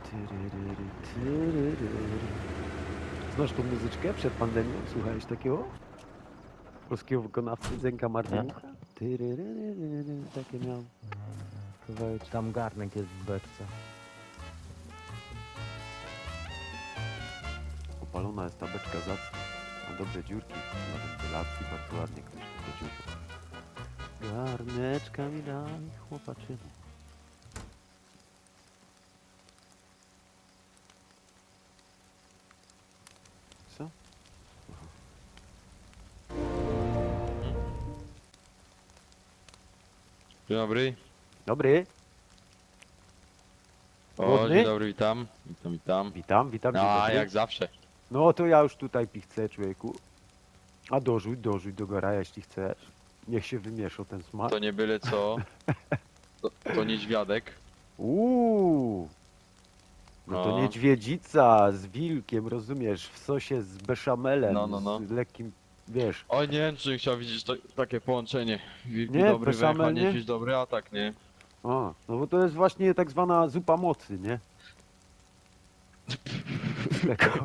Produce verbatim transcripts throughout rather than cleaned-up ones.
Tyryryry, tyryryry. Znasz tą muzyczkę przed pandemią? Słuchałeś takiego? Polskiego wykonawcy Zenka Martyniuka? Tyryryryry, takie miał kawałeczki. Tam garnek jest w beczce. Opalona jest ta beczka zacna. Ma dobre dziurki na wentylacji, bardzo ładnie ktoś to dziurki. Garneczka mi daj, chłopaczyny. Co? Dzień dobry. Dobry. O, Głodny? dzień dobry, witam. Witam, witam. Witam, witam. dzień A, dobry. jak zawsze. No to ja już tutaj pichcę, człowieku. A dorzuć, dorzuć do gara, jeśli chcesz. Niech się wymieszał ten smak. To nie byle co. To, to niedźwiadek. Uuu. No to No. niedźwiedzica z wilkiem, rozumiesz, w sosie z beszamelem, No, no, no. z lekkim, wiesz. O nie, czy chciał widzieć to, takie połączenie. Wilki Nie, dobry beszamel, węch, a nie? niedźwiedź dobry atak, nie? O, no bo to jest właśnie tak zwana zupa mocy, nie? Tego.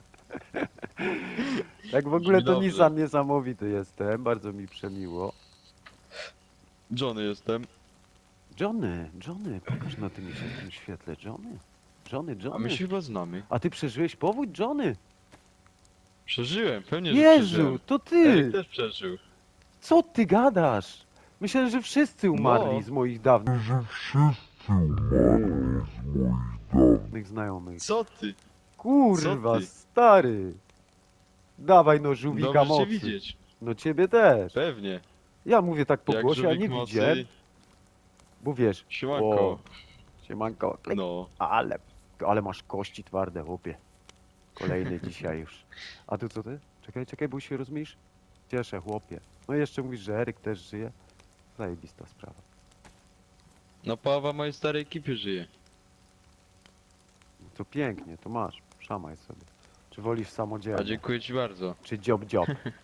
Tak w ogóle to Dobrze. Nissan niesamowity jestem, bardzo mi przemiło. Johnny jestem. Johnny, Johnny, pokaż na tym, się- tym świetle, Johnny. Johnny, A Johnny. my się chyba znamy. A ty przeżyłeś powódź, Johnny? Przeżyłem, pewnie, że Jezu, przeżyłem. to Eryk ty! też przeżył. Co ty gadasz? Myślę, że wszyscy umarli No. z moich dawnych że wszyscy umarli z moich dawnych znajomych. Co ty? Kurwa, Co ty? stary! Dawaj no żółwika Dobrze cię mocy. widzieć. No ciebie też. Pewnie. Ja mówię tak po Jak głosie, a żółwik nie mocy. widziałem, bo wiesz. Siemanko. O, siemanko. Klik. No. Ale, ale masz kości twarde, chłopie. Kolejny dzisiaj już. A tu co ty? Czekaj, czekaj, bo się rozmyśl. Cieszę, chłopie. No i jeszcze mówisz, że Eryk też żyje. Zajebista sprawa. No połowa mojej starej ekipy żyje. To pięknie, to masz. Szamaj sobie. Czy wolisz A samodzielnie? dziękuję ci bardzo. Czy dziob dziob?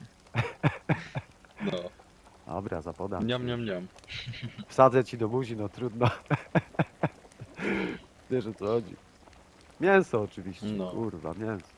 No. Dobra, zapodam. Niam, niam, niam. Wsadzę ci do buzi, no trudno. Wiesz o co chodzi. Mięso oczywiście, No. kurwa, mięso.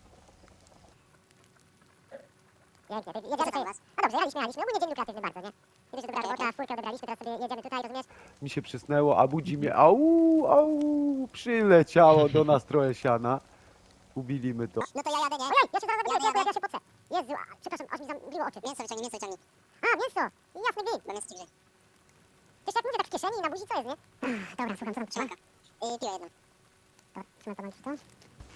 Pięknie, to jedziemy sobie. No dobrze, jaliśmy, jaliśmy. Ogólnie dzień był kreatywny bardzo, nie? Kiedyś dobra robota, furkę odebraliśmy, teraz sobie jedziemy tutaj, rozumiesz? Mi się przysnęło, a budzi mnie, au, au, przyleciało do nas trochę siana. Ubiliśmy to. No to ja jadę, nie? Ojej, ja się zaraz zabiję, ja, ja, ja się potrę. Jezu, a, przepraszam, aż mi zamgliło oczy. Mięso wyciągnij, mięso wyciągnij. A, mięso! Jasny gwint. No mięso ci grzej. Też jak mówię, tak w kieszeni i na buzi, co jest, nie? Ach, dobra, słucham, co tam trzyma? Yy, piło jedno. Dobra, trzymaj to, mam to.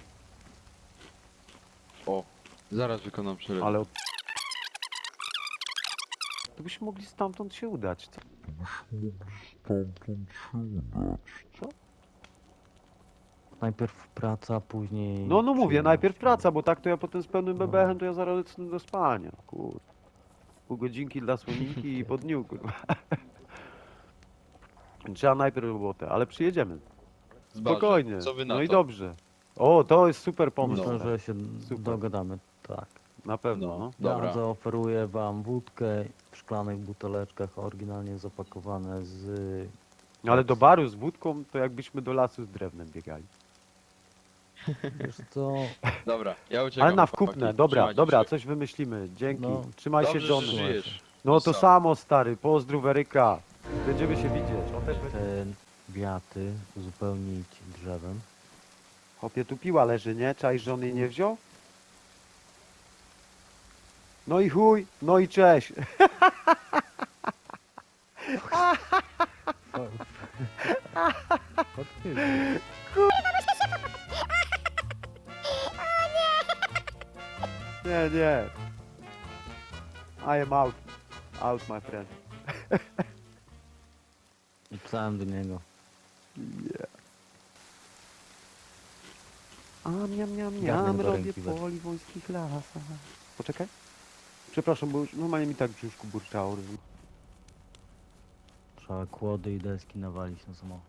O, zaraz wykonam przelew. Ale... od- To byśmy mogli stamtąd się udać, co? mogli stamtąd się udać. Co? Najpierw praca, później... No, no mówię, przyjemność. najpierw praca, bo tak to ja potem z pełnym bebechem, to ja zaraz lecę do spania, kur. Pół godzinki dla słoninki i po dniu, kurwa. Trzeba najpierw robotę, ale przyjedziemy. Zbaczę. Spokojnie. Co wy na No i to? dobrze. O, to jest super pomysł. Myślę, tak. że się Super. dogadamy, tak. Na pewno, No. no. Dobra. Ja zaoferuję wam wódkę w szklanych buteleczkach, oryginalnie zapakowane z... Ale do baru z wódką, to jakbyśmy do lasu z drewnem biegali. Wiesz co, Dobra, ja uciekam. Ale na chłopaki. wkupne, dobra, Trzymajcie dobra, się. coś wymyślimy. Dzięki. No. Trzymaj Dobrze, się, że Johnny. żyjesz. No to Sam. samo, stary. Pozdrów Eryka. Będziemy się widzieć. On też będzie... te wiaty uzupełnić drzewem. Chłopie, tu piła leży, nie? Czaj, że on jej nie wziął? No i chuj, no i cześć. Nie, nie. I am out. Out, my friend. I pisałem do niego. Yeah. A miam, miam, Garnek miam, do robię ręki weź. po liwońskich lasach. Poczekaj. Przepraszam, bo już normalnie mi tak w brzuszku burczało. Trzeba kłody i deski nawalić na samochód.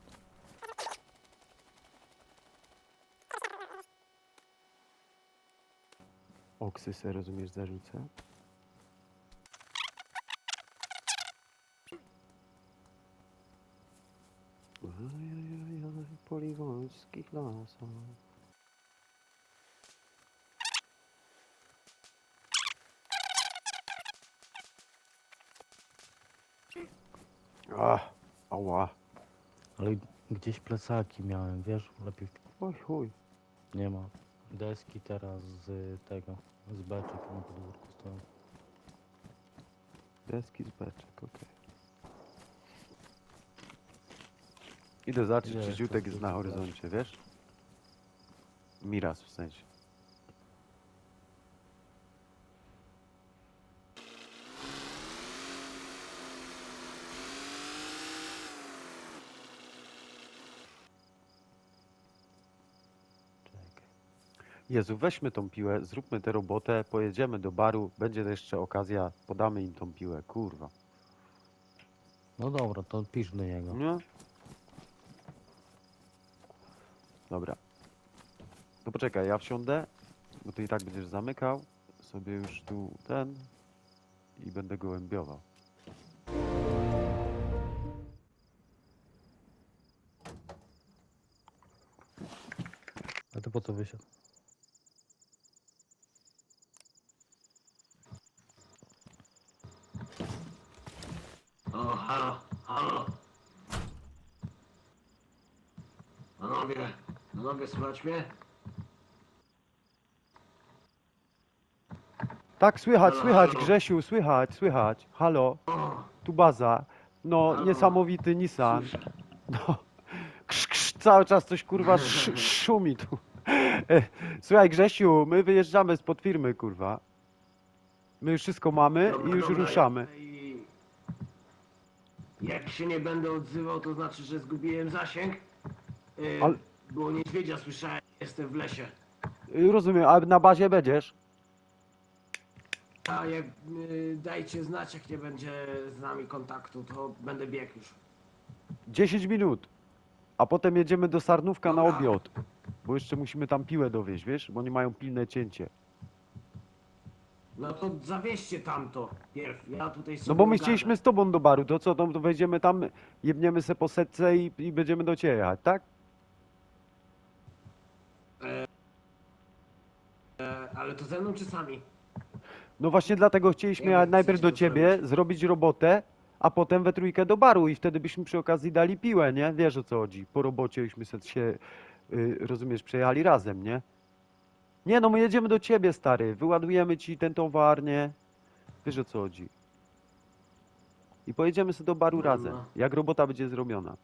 Oksy se, rozumiesz, zarzucę. Ojojojoj, po wojskich lasach. Ach, ała. Ale gdzieś plecaki miałem, wiesz? Lepiej Oj, chuj. nie ma. Deski teraz z tego, z beczek na podwórku stoją. Deski z beczek, okej. Idę zobaczyć, Gdzie czy jest ziutek to jest na złoty horyzoncie, wiesz? Miraz w sensie. Czekaj. Jezu, weźmy tą piłę, zróbmy tę robotę, pojedziemy do baru, będzie jeszcze okazja, podamy im tą piłę, kurwa. No dobra, to pisz do niego. Nie? Dobra. To poczekaj, ja wsiądę, bo ty i tak będziesz zamykał sobie już tu ten i będę gołębiował. A ty po co wysiadł? O, halo, halo. Panowie, panowie, słychać mnie? Tak, słychać, Halo, słychać, halo. Grzesiu, słychać, słychać. Halo, O, tu baza. No, Halo. niesamowity Nissan. słyszę. No, krz, krz, cały czas coś kurwa sz, szumi tu. E, Słuchaj, Grzesiu, my wyjeżdżamy spod firmy, kurwa. My już wszystko mamy i Dobra, już dobra, ruszamy. i- Jak się nie będę odzywał, to znaczy, że zgubiłem zasięg. Yy, Ale- Było niedźwiedzia, słyszałem, jestem w lesie. Y, Rozumiem, a na bazie będziesz? A jak yy, dajcie znać, jak nie będzie z nami kontaktu, to będę biegł już. dziesięć minut. A potem jedziemy do Sarnówka na Dobra. obiad. Bo jeszcze musimy tam piłę dowieźć, wiesz? Bo oni mają pilne cięcie. No to zawieźcie tamto pierw, ja tutaj sobie No bo my ogarnę. chcieliśmy z tobą do baru, to co, to, to wejdziemy tam, jebniemy se po setce i, i będziemy do ciebie jechać, tak? E, ale to ze mną czy sami? No właśnie dlatego chcieliśmy Jak jechać najpierw chcecie do to ciebie, zrobić. zrobić robotę, a potem we trójkę do baru i wtedy byśmy przy okazji dali piłę, nie? Wiesz o co chodzi. Po robocie byśmy se się, y, rozumiesz, przejechali razem, nie? Nie no, my jedziemy do ciebie, stary. Wyładujemy ci ten towar, nie? Wiesz o co chodzi. I pojedziemy sobie do baru No, razem, no. jak robota będzie zrobiona.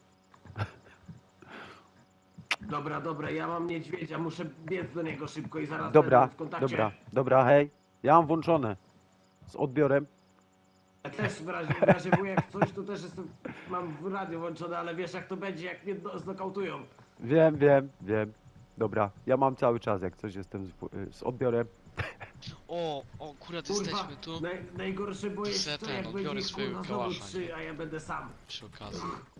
Dobra, dobra, ja mam niedźwiedzia, muszę biec do niego szybko i zaraz Dobra, będę w kontakcie. dobra, dobra, hej. Ja mam włączone. Z odbiorem. Ja też w razie, w razie wujek coś, to też jestem, mam w radio włączone, ale wiesz jak to będzie, jak mnie do- znokautują. Wiem, wiem, wiem. Dobra, ja mam cały czas, jak coś jestem z, w- z odbiorem. O, o, akurat Kurwa, jesteśmy tu naj, najgorsze bo jest Se to, ten, jak odbiorę będzie swojego kurwa znowu kałacha, trzy, nie? a ja będę sam. przy okazji.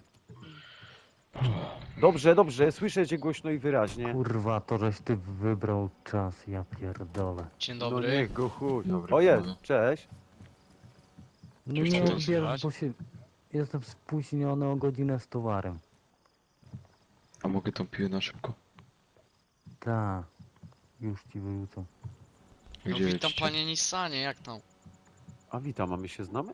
Dobrze, dobrze, słyszę cię głośno i wyraźnie. Kurwa, to żeś ty wybrał czas, ja pierdolę. Dzień No dobry. niech go chuj. Dobry, O jest, panowie. cześć. No Już nie tam odbierz, słychać? bo się... Jestem spóźniony o godzinę z towarem. A mogę tą piłę na szybko? Ta. Już ci wyrzucam. No Gdzie witam lecicie? panie Nissanie, jak tam? A witam, a my się znamy?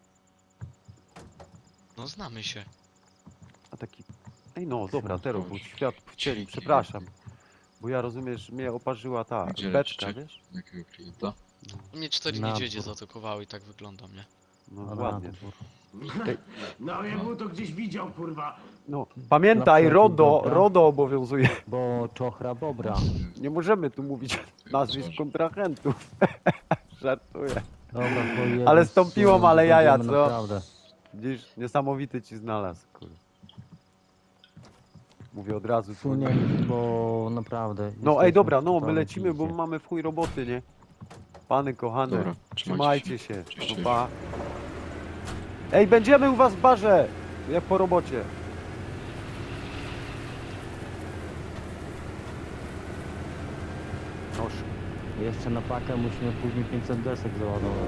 No znamy się. A taki... Ej no, dobra, Chodź, teraz, chodź. bo świat w cieli, Dzięki. przepraszam. Bo ja rozumiesz, mnie oparzyła ta Gdzie beczka, lecicie? wiesz? Jakiego klienta? Mnie cztery Na niedźwiedzie dwór. zaatakowały i tak wyglądam, nie? No A na ładnie. dwór. Ej. No ja bym to gdzieś widział, kurwa. No, pamiętaj, Dla RODO, dobra. RODO obowiązuje. Bo czochra bobra. Nie możemy tu mówić nazwisk Coś. kontrahentów. Żartuję. Dobra, to jedziesz Ale z tą z piłą, tyłu, ale jaja, będziemy co? Naprawdę. Widzisz, niesamowity ci znalazł, kurde. Mówię od razu. Sunie, dzwonię. bo naprawdę. No jesteśmy ej, dobra, w no my totalnej lecimy, bo pizdzie. mamy w chuj roboty, nie? Pany kochane, Dobra, trzymajcie się. Cześć, No, cześć. pa. Ej, będziemy u was w barze, jak po robocie. Noż. Jeszcze na pakę musimy później pięćset desek załadować.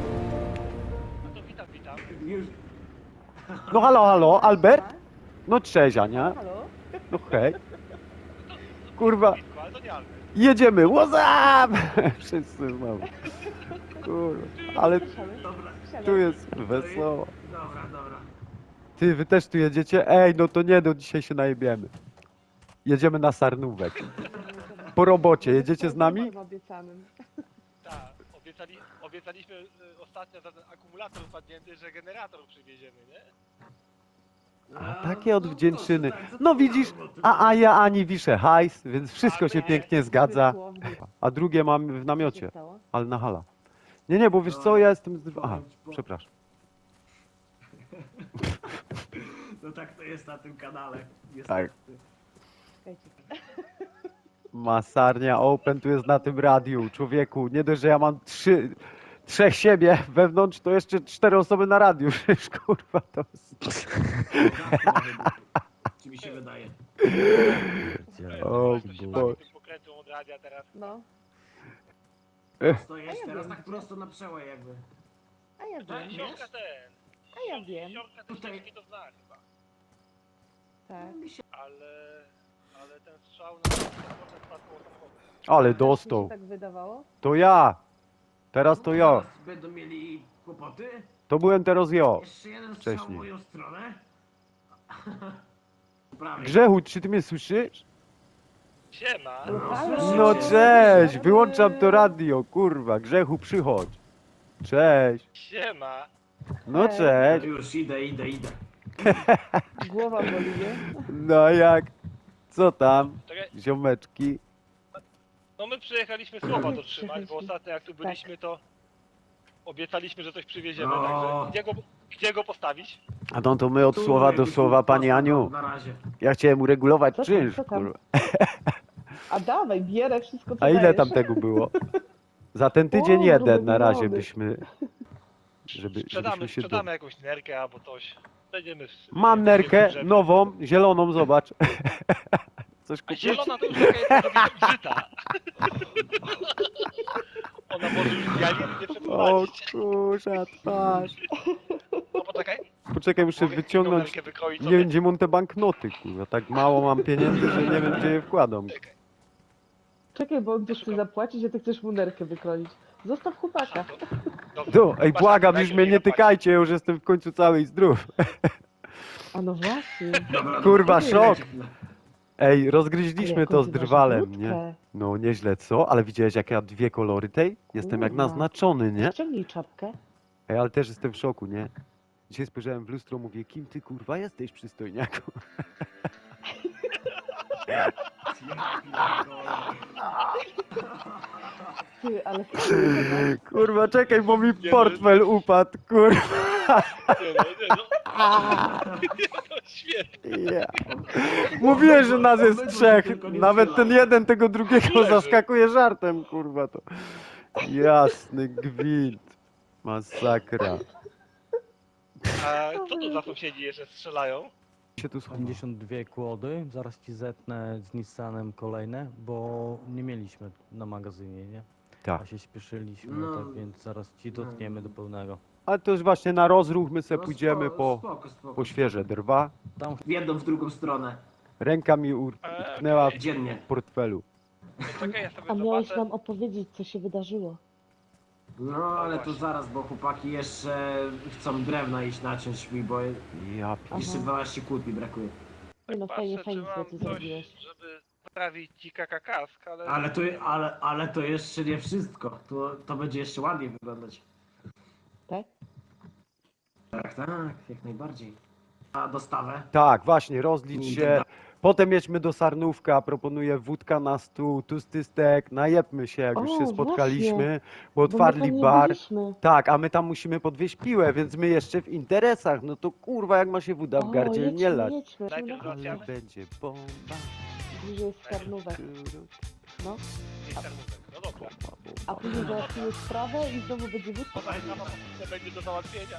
Już, No halo, halo, Albert? No cześć, Ania. No hej. kurwa. Ale to nie Albert. Jedziemy, what's up? Wszyscy znowu. Kurwa, ale Dobra, tu jest wesoło. dobra, dobra. Ty, wy też tu jedziecie? Ej, no to nie, no dzisiaj się najebiemy. Jedziemy na Sarnówek. Po robocie, jedziecie z nami? Obiecanym. Tak, obiecali, obiecaliśmy y, ostatnio za ten akumulator wpadnięty, że generator przywieziemy, nie? A takie odwdzięczyny. No widzisz, a, a ja ani wiszę hajs, więc wszystko się pięknie zgadza. A drugie mam w namiocie, ale na hala. Nie, nie, bo wiesz co, ja jestem z... Aha, przepraszam. No tak to jest na tym kanale. Niestety. Tak. Masarnia Open tu jest na tym radiu, człowieku. Nie dość, że ja mam trzy, trzech siebie wewnątrz, to jeszcze cztery osoby na radiu. Przecież kurwa to jest... Czy mi się wydaje? O To się Boże. bawi tym pokrętłem od radia teraz. No, To jest teraz tak prosto na przełaj jakby. a ja To wiem, wiesz? Siorka ten. A ja wiem, Siorka te Tutaj- ścieżki to zna chyba. tak. Ale... Ale ten strzał na potem spadł koło samochodu. Ale Mi się dostał. tak wydawało. To ja. Teraz to ja. Teraz będą mieli kłopoty. To byłem teraz ja. Jeszcze jeden strzał w Wcześniej. moją stronę. Prawie. Grzechu, czy ty mnie słyszysz? Siema! No, Halo? słyszę No cię. cześć, wyłączam to radio, kurwa. Grzechu, przychodź. Cześć. Siema! No Cześć. No cześć. już idę, idę, idę. Głowa boli, nie? No jak? Co tam? Czekaj, Ziomeczki. no my przyjechaliśmy słowa dotrzymać, bo Przyjechaliśmy. ostatnio jak tu byliśmy to obiecaliśmy, że coś przywieziemy, No. także gdzie go, gdzie go postawić? A no to my od Tu słowa do jakiś słowa, pani pas- Aniu. Na razie. Ja chciałem uregulować Co tam, czynsz, co tam? kurwa. A dawaj, bierę wszystko, co A ile dajesz. tam tego było? Za ten tydzień O, jeden gruby na razie wywody. byśmy... Żeby, Sprzedamy, żebyśmy się do... sprzedamy jakąś nerkę albo coś. Będziemy w- Mam w- nerkę, w- w- nową, zieloną, zobacz. Coś A kupić? zielona to już taka jest brzyta. Ona może już dializy nie O przeprowadzić. kurza, twarz. No poczekaj. Poczekaj, muszę Mogę wyciągnąć... nerkę wykroić Nie sobie. wiem, gdzie mam te banknoty, kurwa. Tak mało mam pieniędzy, że nie wiem, gdzie je wkładam. Czekaj, bo on tu chce zapłacić, a ty chcesz mu nerkę wykroić. Zostaw chłopaka. Dobrze. No, ej, Patrz, błagam, najpierw już mnie nie zapłaci. tykajcie, ja już jestem w końcu cały i zdrów. A no właśnie. Dobra, Kurwa, dobra, szok. chwilę. Ej, rozgryźliśmy Jaką to z ty masz drwalem, wódkę. nie? No, nieźle, co? Ale widziałeś, jak ja dwie kolory tej? Jestem jak Kurwa. naznaczony, nie? Ściągnij czapkę. Ej, ale też jestem w szoku, nie? Dzisiaj spojrzałem w lustro, mówię, kim ty, kurwa, jesteś, przystojniaku? Ja pierdolę. Ty, ale... Kurwa, czekaj, bo mi no. portfel upadł, kurwa. Nie no, nie no. No świetnie. Ja. Mówiłem, że nas jest Obydwu trzech. tylko nie Nawet ten strzelają. jeden tego drugiego Leży. zaskakuje żartem, kurwa to. Jasny gwint. Masakra. A co tu za sąsiedzi jeszcze strzelają? Się tu słucha. pięćdziesiąt dwie kłody, zaraz ci zetnę z Nissanem kolejne, bo nie mieliśmy na magazynie, nie? Tak. A się śpieszyliśmy, No. tak więc zaraz ci dotkniemy do pełnego. Ale to już właśnie na rozruch my se No, pójdziemy spoko, po, spoko, spoko. po świeże drwa. Tam W jedną, w drugą stronę. Ręka mi utknęła w Dziennie. portfelu. No czekaj, ja sobie A miałeś zobaczę. nam opowiedzieć, co się wydarzyło. No ale to zaraz, bo chłopaki jeszcze chcą drewna iść naciąć mi, bo Ja Aha. jeszcze dwanaście kłód mi brakuje. Nie no, Patrzę, fajnie, czy fajnie, co mam ty coś, zrobiłeś. żeby sprawić ci kakakask, ale... Ale to, ale, ale to jeszcze nie wszystko. To, to będzie jeszcze ładniej wyglądać. Tak? Tak, tak, jak najbardziej. A dostawę? Tak, właśnie, rozlicz Nie, się. tak. Potem jedźmy do Sarnówka, proponuję wódka na stół, tłusty stek, najebmy się, jak już O, się spotkaliśmy, właśnie, bo Bo otwarli my tam nie bar. byliśmy. Tak, a my tam musimy podwieźć piłę, więc my jeszcze w interesach. No to kurwa, jak ma się woda w O, gardzie nie jedźmy, lać. jedźmy. Najpierw No, Ale załatwiamy. będzie bomba. bliżej jest Karnówek. No. Nie serwówek. No dobra. A później załatwimy sprawę i znowu będzie wódka. Podaj sama to będzie do załatwienia.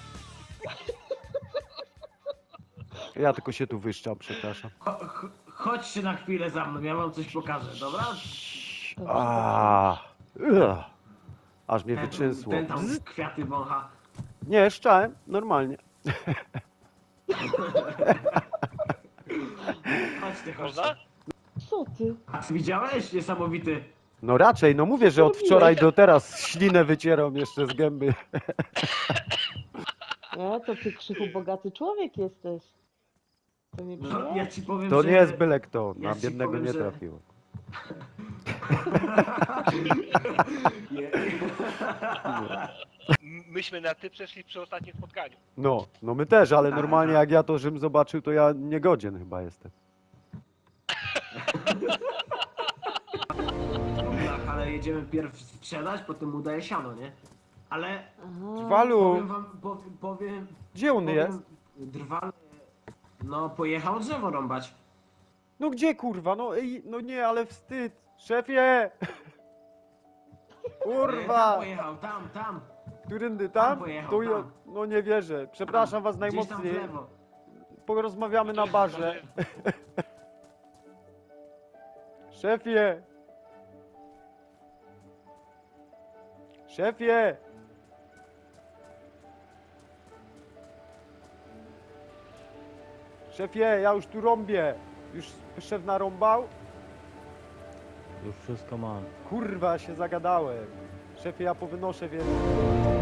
Ja tylko się tu wyszczam, przepraszam. Cho, cho, chodźcie na chwilę za mną, ja wam coś pokażę, dobra? A, ugh. Aż mnie Ten, wyczysło. ten tam kwiaty wącha. Nie, szczałem, normalnie. Chodźcie, Można? chodźcie. co ty? A ty widziałeś? Niesamowity. No raczej, no mówię, że od wczoraj do teraz ślinę wycieram jeszcze z gęby. Nie, to ty Krzychu bogaty człowiek jesteś. To nie No, przyjemne. ja ci powiem, To że... nie jest byle kto, ja na ci biednego powiem, nie że- trafiło. Nie. M- Myśmy na ty przeszli przy ostatnim spotkaniu. No, no my też, ale Tak, normalnie tak. jak ja to Rzym zobaczył, to ja niegodzien chyba jestem. Tak, ale jedziemy pierw sprzedać, potem udaje siano, nie? Ale Aha. Walu, powiem wam, powiem, powiem, gdzie on powiem jest? drwal, no pojechał drzewo rąbać. No gdzie kurwa, no ej, no nie, ale wstyd. Szefie! Tam Kurwa! pojechał, tam, tam, Którędy tam tam? pojechał, To ja, tam. no nie wierzę. Przepraszam was gdzieś tam w najmocniej. lewo. Porozmawiamy na barze. Szefie! Szefie! Szefie, ja już tu rąbię. Już szef narąbał? Już wszystko mam. Kurwa, się zagadałem. Szefie, ja powynoszę więcej.